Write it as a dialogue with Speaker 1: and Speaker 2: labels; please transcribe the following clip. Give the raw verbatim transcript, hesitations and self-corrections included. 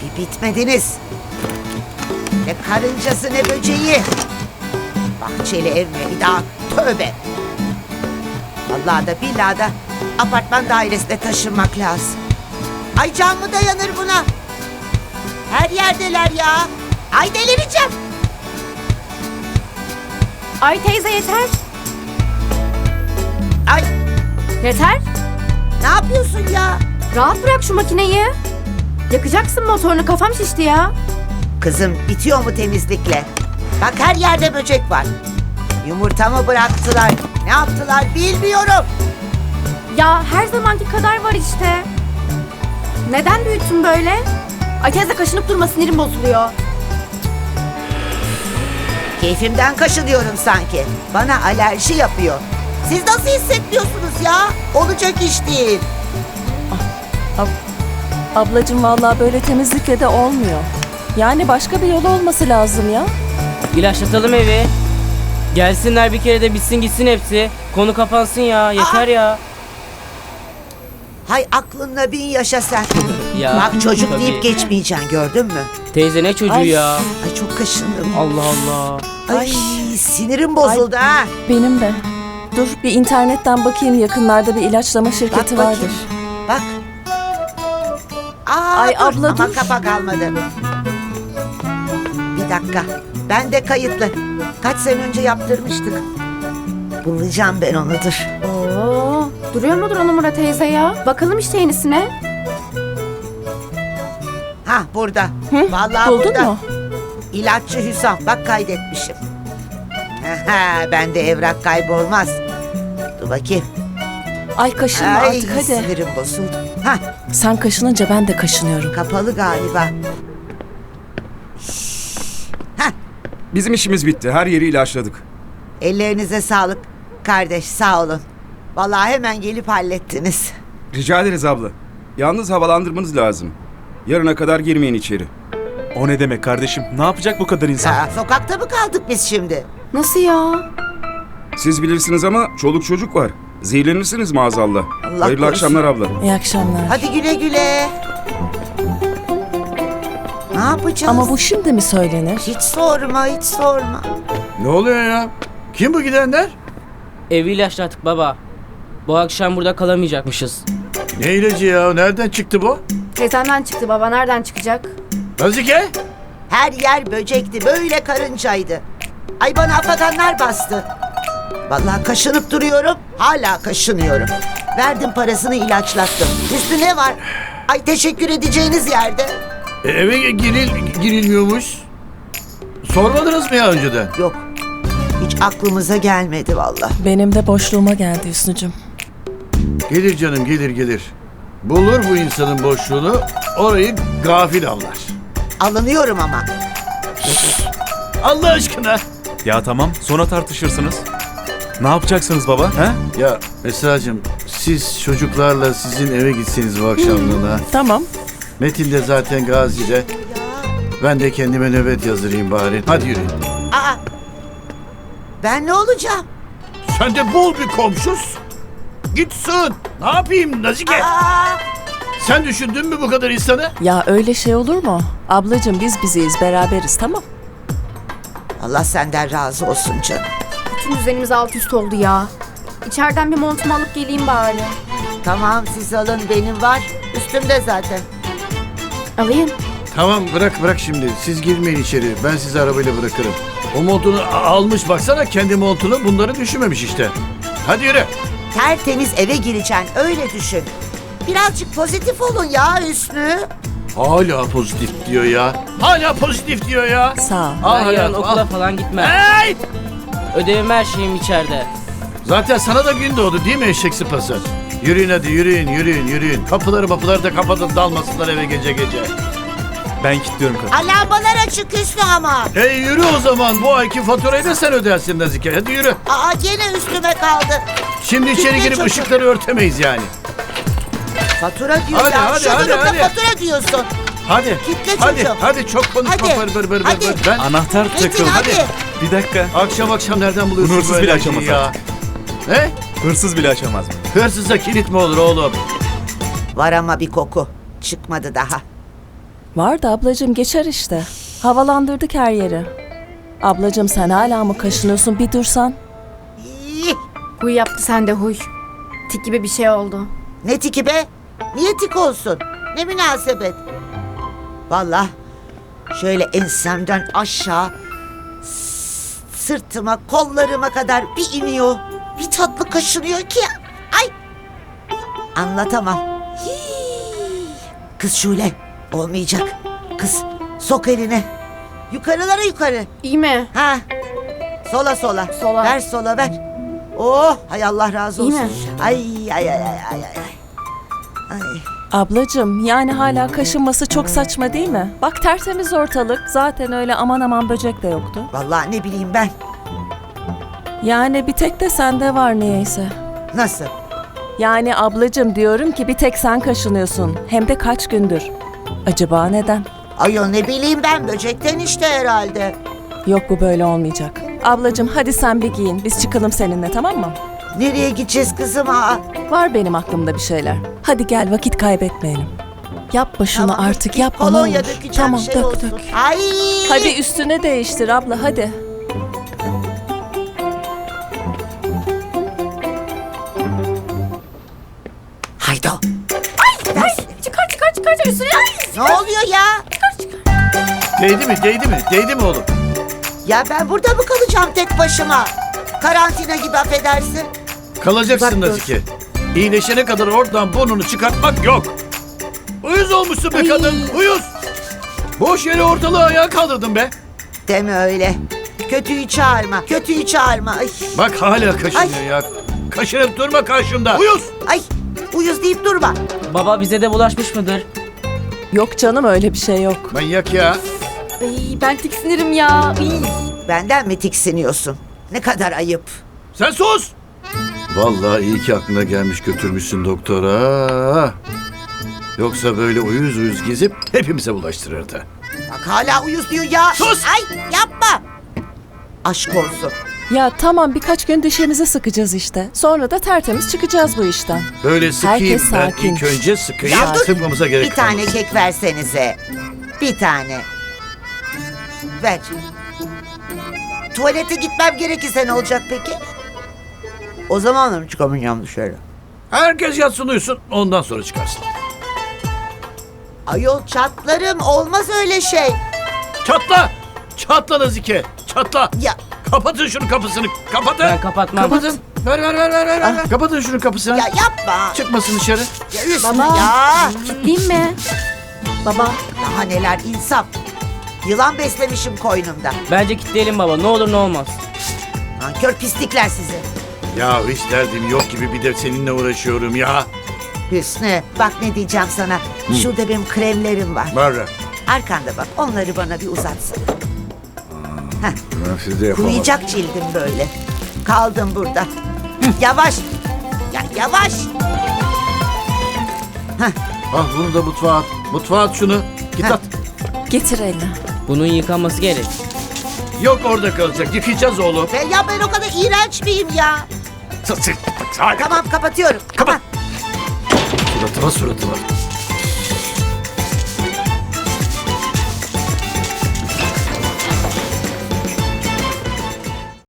Speaker 1: Bir bitmediniz. Ne karıncası ne böceği. Bahçeli ev mi bir daha? Tövbe. Vallahi da billahi da apartman dairesine taşınmak lazım. Ay can mı dayanır buna? Her yerdeler ya. Ay delireceğim.
Speaker 2: Ay teyze yeter.
Speaker 1: Ay
Speaker 2: Yeter.
Speaker 1: ne yapıyorsun ya?
Speaker 2: Rahat bırak şu makineyi. Yakacaksın motorunu, kafam şişti ya.
Speaker 1: Kızım bitiyor mu temizlikle? Bak her yerde böcek var. Yumurtamı bıraktılar. Ne yaptılar bilmiyorum.
Speaker 2: Ya her zamanki kadar var işte. Neden büyüttün böyle? Ay teyze kaşınıp durma, sinirim bozuluyor.
Speaker 1: Keyfimden kaşınıyorum sanki. Bana alerji yapıyor. Siz nasıl hissetmiyorsunuz ya? Olacak iş değil.
Speaker 3: Ablacığım vallahi böyle temizlikle de olmuyor. Yani başka bir yolu olması lazım ya.
Speaker 4: İlaçlatalım evi. Gelsinler bir kere de bitsin gitsin hepsi. Konu kapansın ya. Yeter ya.
Speaker 1: Hay aklınla bin yaşa sen.
Speaker 4: Ya,
Speaker 1: Bak çocuk
Speaker 4: tabii.
Speaker 1: deyip geçmeyeceksin gördün mü?
Speaker 4: Teyze ne çocuğu
Speaker 3: Ay.
Speaker 4: ya.
Speaker 1: Ay çok kaşındım.
Speaker 4: Allah Allah.
Speaker 1: Ay, sinirim bozuldu ha.
Speaker 3: Benim de. Dur bir internetten bakayım, yakınlarda bir ilaçlama şirketi
Speaker 1: Bak
Speaker 3: vardır.
Speaker 1: bakayım. Bak. Aa,
Speaker 3: Ay
Speaker 1: dur.
Speaker 3: abla,
Speaker 1: Ama
Speaker 3: dur.
Speaker 1: kafa kalmadı. Bir dakika. Ben de kayıtlı. Kaç sene önce yaptırmıştık. Bulacağım ben onu dur.
Speaker 2: Oo, duruyor mudur o numara teyze ya? Bakalım işte yenisine.
Speaker 1: Ha burada.
Speaker 3: Hı?
Speaker 1: Vallahi
Speaker 3: Buldun
Speaker 1: burada.
Speaker 3: mu?
Speaker 1: İlaççı Hüsam. Bak kaydetmişim. Bende evrak kaybolmaz. Dur bakayım.
Speaker 3: Ay kaşınma
Speaker 1: Ay
Speaker 3: artık hadi.
Speaker 1: sinirim bozuldu. Ha
Speaker 3: Sen kaşınınca ben de kaşınıyorum.
Speaker 1: kapalı galiba. Ha
Speaker 5: Bizim işimiz bitti. Her yeri ilaçladık.
Speaker 1: ellerinize sağlık kardeş sağ olun. Vallahi hemen gelip hallettiniz.
Speaker 5: Rica ederiz abla. Yalnız havalandırmanız lazım. Yarına kadar girmeyin içeri.
Speaker 6: O ne demek kardeşim? Ne yapacak bu kadar insan?
Speaker 1: Aa, sokakta mı kaldık biz şimdi?
Speaker 2: Nasıl ya?
Speaker 5: Siz bilirsiniz ama çoluk çocuk var. Zehirlenirsiniz maazallah.
Speaker 1: Allah
Speaker 5: Hayırlı
Speaker 1: korusun.
Speaker 5: akşamlar abla.
Speaker 3: İyi akşamlar.
Speaker 1: Hadi güle güle. Ne yapacağız?
Speaker 3: Ama bu şimdi mi söylenir?
Speaker 1: Hiç sorma hiç sorma.
Speaker 7: Ne oluyor ya? Kim bu gidenler?
Speaker 4: Evi ilaçlattık baba. Bu akşam burada kalamayacakmışız.
Speaker 7: Ne ilacı ya? Nereden çıktı bu?
Speaker 2: Teyzemden çıktı baba, nereden çıkacak?
Speaker 7: Nazike?
Speaker 1: Her yer böcekti böyle karıncaydı. Ay bana afaganlar bastı. Vallahi kaşınıp duruyorum. Hala kaşınıyorum. Verdim parasını ilaçlattım. Üstü ne var? Ay teşekkür edeceğiniz yerde.
Speaker 7: E, eve giril, girilmiyormuş. Sormadınız mı ya önceden?
Speaker 1: Yok. Hiç aklımıza gelmedi vallahi.
Speaker 3: Benim de boşluğuma geldi Hüsnü'cüm.
Speaker 7: Gelir canım gelir gelir. Bulur bu insanın boşluğunu, orayı gafil avlar.
Speaker 1: Alınıyorum ama.
Speaker 7: Allah aşkına.
Speaker 6: Ya tamam, sonra tartışırsınız. Ne yapacaksınız baba? He?
Speaker 7: Ya Esra'cığım siz çocuklarla sizin eve gitseniz bu akşamlığına.
Speaker 3: Tamam.
Speaker 7: Metin de zaten Gazi'de. Ben de kendime nöbet yazdırayım bari. Hadi yürüyün.
Speaker 1: Aa. Ben ne olacağım?
Speaker 7: Sen de bul bir komşus. Gitsin. Ne yapayım Nazike?
Speaker 1: Aa.
Speaker 7: Sen düşündün mü bu kadar insanı?
Speaker 3: Ya öyle şey olur mu? Ablacığım biz biziyiz, beraberiz, tamam.
Speaker 1: Allah senden razı olsun canım.
Speaker 2: Bütün düzenimiz alt üst oldu ya. İçeriden bir montumu alıp geleyim bari.
Speaker 1: Tamam siz alın benim var. Üstümde zaten.
Speaker 2: Alayım.
Speaker 7: Tamam bırak bırak şimdi. Siz girmeyin içeri. Ben sizi arabayla bırakırım. O montunu a- almış baksana kendi montunu bunları düşünmemiş işte. Hadi yürü.
Speaker 1: Tertemiz eve gireceksin öyle düşün. Birazcık pozitif olun ya Hüsnü.
Speaker 7: Hala pozitif diyor ya. Hala pozitif diyor ya.
Speaker 3: Sağ ol.
Speaker 7: Al
Speaker 4: Ben yarın
Speaker 7: hayatım,
Speaker 4: okula
Speaker 7: al.
Speaker 4: falan gitmem.
Speaker 7: Hey!
Speaker 4: Ödevim her şeyim içeride.
Speaker 7: Zaten sana da gün doğdu değil mi eşek sıpası? Yürüyün hadi yürüyün yürüyün yürüyün. Kapıları kapıları da kapatın dalmasınlar eve gece gece.
Speaker 6: Ben kilitliyorum kadın.
Speaker 1: Alarmalar açık Hüsnü ama.
Speaker 7: E yürü o zaman bu ayki faturayı da sen ödersin Nazike. Hadi yürü.
Speaker 1: Aa gene üstüme kaldı.
Speaker 7: Şimdi içeri
Speaker 1: Kitle
Speaker 7: girip
Speaker 1: çocuğum.
Speaker 7: ışıkları örtemeyiz yani.
Speaker 1: Fatura diyor
Speaker 7: Hadi,
Speaker 1: ya.
Speaker 7: hadi,
Speaker 1: Şu
Speaker 7: hadi,
Speaker 1: durumda
Speaker 7: hadi.
Speaker 1: fatura diyorsun.
Speaker 7: Hadi.
Speaker 1: Kitle
Speaker 7: hadi,
Speaker 1: çocuğum.
Speaker 7: hadi çok konuşma
Speaker 1: Hadi,
Speaker 7: bır bır bır
Speaker 1: hadi.
Speaker 7: bır. Ben
Speaker 6: Anahtar
Speaker 1: Metin
Speaker 6: takıldı.
Speaker 1: hadi.
Speaker 6: Bir dakika.
Speaker 7: akşam akşam nereden buluyorsun
Speaker 6: Bunu hırsız
Speaker 7: böyle
Speaker 6: bile
Speaker 7: şeyi
Speaker 6: açamaz
Speaker 7: ya? He?
Speaker 6: Hırsız bile açamaz mı?
Speaker 7: Hırsıza kilit mi olur oğlum?
Speaker 1: Var ama bir koku. Çıkmadı daha.
Speaker 3: Var da ablacığım geçer işte. Havalandırdık her yeri. Ablacığım sen hala mı kaşınıyorsun? Bir dursan.
Speaker 1: İyi.
Speaker 2: Huy yaptı sende huy. Tik gibi bir şey oldu.
Speaker 1: Ne tiki be? Niye tik olsun? Ne münasebet? Vallahi şöyle ensemden aşağı s- sırtıma, kollarıma kadar bir iniyor. Bir tatlı kaşınıyor ki. Ay! Anlatamam. Hii. Kız Şule, olmayacak. Kız, sok elini. Yukarılara yukarı.
Speaker 2: İyi mi?
Speaker 1: Ha. Sola sola.
Speaker 2: Sola.
Speaker 1: Ver sola ver. Oh, hay Allah razı
Speaker 2: İyi
Speaker 1: olsun.
Speaker 2: mi?
Speaker 1: Ay ay ay ay ay ay. Ay.
Speaker 3: Ablacığım yani hala kaşınması çok saçma değil mi? Bak tertemiz ortalık. Zaten öyle aman aman böcek de yoktu.
Speaker 1: Vallahi ne bileyim ben.
Speaker 3: Yani bir tek de sende var niyeyse.
Speaker 1: Nasıl?
Speaker 3: Yani ablacığım diyorum ki bir tek sen kaşınıyorsun. Hem de kaç gündür. Acaba neden?
Speaker 1: Ayol ne bileyim ben, böcekten işte herhalde.
Speaker 3: Yok bu böyle olmayacak. Ablacığım hadi sen bir giyin. Biz çıkalım seninle tamam mı?
Speaker 1: Nereye gideceğiz kızım? Aa,
Speaker 3: Var benim aklımda bir şeyler. Hadi gel vakit kaybetmeyelim. Yapma şunu
Speaker 1: tamam,
Speaker 3: artık
Speaker 1: bir
Speaker 3: yapma ne
Speaker 1: kolonya
Speaker 3: olur.
Speaker 1: dökeceğim,
Speaker 3: Tamam
Speaker 1: şey
Speaker 3: dök
Speaker 1: olsun.
Speaker 3: dök.
Speaker 1: Ay.
Speaker 3: Hadi üstüne değiştir abla hadi.
Speaker 1: Haydi.
Speaker 2: Ay, çıkar çıkar çıkar üstüne. Ay,
Speaker 1: Ne oluyor ya?
Speaker 7: Değdi mi? Değdi mi? Değdi mi oğlum?
Speaker 1: Ya ben burada mı kalacağım tek başıma? Karantina gibi, affedersin.
Speaker 7: Kalacaksın
Speaker 1: Uzak dur.
Speaker 7: Nazike. İyileşene kadar oradan burnunu çıkartmak yok. Uyuz olmuşsun be kadın. Uyuz. Boş yere ortalığı ayağa kaldırdın be.
Speaker 1: Deme öyle. Kötüyü çağırma. Kötüyü çağırma. Ay.
Speaker 7: Bak hala kaşınıyor
Speaker 1: Ay.
Speaker 7: ya. Kaşınıp durma karşımda. Uyuz.
Speaker 1: Ay. Uyuz deyip durma.
Speaker 4: Baba bize de bulaşmış mıdır?
Speaker 3: Yok canım öyle bir şey yok.
Speaker 7: Manyak ya.
Speaker 2: ay, ben tiksinirim ya. Ay.
Speaker 1: Benden mi tiksiniyorsun? Ne kadar ayıp.
Speaker 7: Sen sus. Vallahi iyi ki aklına gelmiş götürmüşsün doktora. Yoksa böyle uyuz uyuz gezip hepimize bulaştırırdı.
Speaker 1: Bak hala uyuz diyor ya.
Speaker 7: Sus!
Speaker 1: Ay yapma. Aşk olsun.
Speaker 3: Ya tamam birkaç gün dişimizi sıkacağız işte. Sonra da tertemiz çıkacağız bu işten.
Speaker 7: Böyle sıkayım
Speaker 3: Herkes
Speaker 7: ben
Speaker 3: sakin.
Speaker 7: ilk önce sıkayım.
Speaker 1: Ya dur.
Speaker 7: Sıkmamıza gerek
Speaker 1: Bir tane
Speaker 7: kalmaz.
Speaker 1: kek versenize. Bir tane. Ver. Tuvalete gitmem gerekirse ne olacak peki? O zaman mı çıkamayacağım dışarı?
Speaker 7: Herkes yatsın uyusun ondan sonra çıkarsın.
Speaker 1: Ayol çatlarım, olmaz öyle şey.
Speaker 7: Çatla! Çatla Nazike! Çatla!
Speaker 1: Ya
Speaker 7: Kapatın şunun kapısını! Kapatın!
Speaker 4: Ben kapatmam.
Speaker 7: Kapatın! Ver ver ver ver ver! ver. Kapatın şunun kapısını!
Speaker 1: ya yapma.
Speaker 7: Çıkmasın dışarı!
Speaker 1: Ya Hüsnü
Speaker 2: Baba.
Speaker 1: ya.
Speaker 2: Değil mi? Baba.
Speaker 1: Daha neler insaf. Yılan beslemişim koynumda.
Speaker 4: Bence kilitleyelim baba. Ne olur ne olmaz.
Speaker 1: Nankör pislikler sizi.
Speaker 7: Ya hiç derdim yok gibi bir de seninle uğraşıyorum ya!
Speaker 1: Hüsnü bak ne diyeceğim sana. Şurada benim kremlerim var.
Speaker 7: Var.
Speaker 1: Arkanda bak, onları bana bir uzatsana.
Speaker 7: Ben size yapamam.
Speaker 1: Kuruyacak cildim böyle. Kaldım burada. Hı, yavaş. Ya yavaş.
Speaker 7: Ah bunu da mutfağa at. Mutfağa at şunu. Git
Speaker 1: Heh.
Speaker 7: at.
Speaker 3: Getir elini.
Speaker 4: Bunun yıkanması gerek.
Speaker 7: Yok orada kalacak. Yıkayacağız oğlum.
Speaker 1: Be ya ben o kadar iğrenç miyim ya?
Speaker 7: Sus, sus, sus.
Speaker 1: Tamam kapatıyorum. Kapat.
Speaker 7: Suratıma suratıma.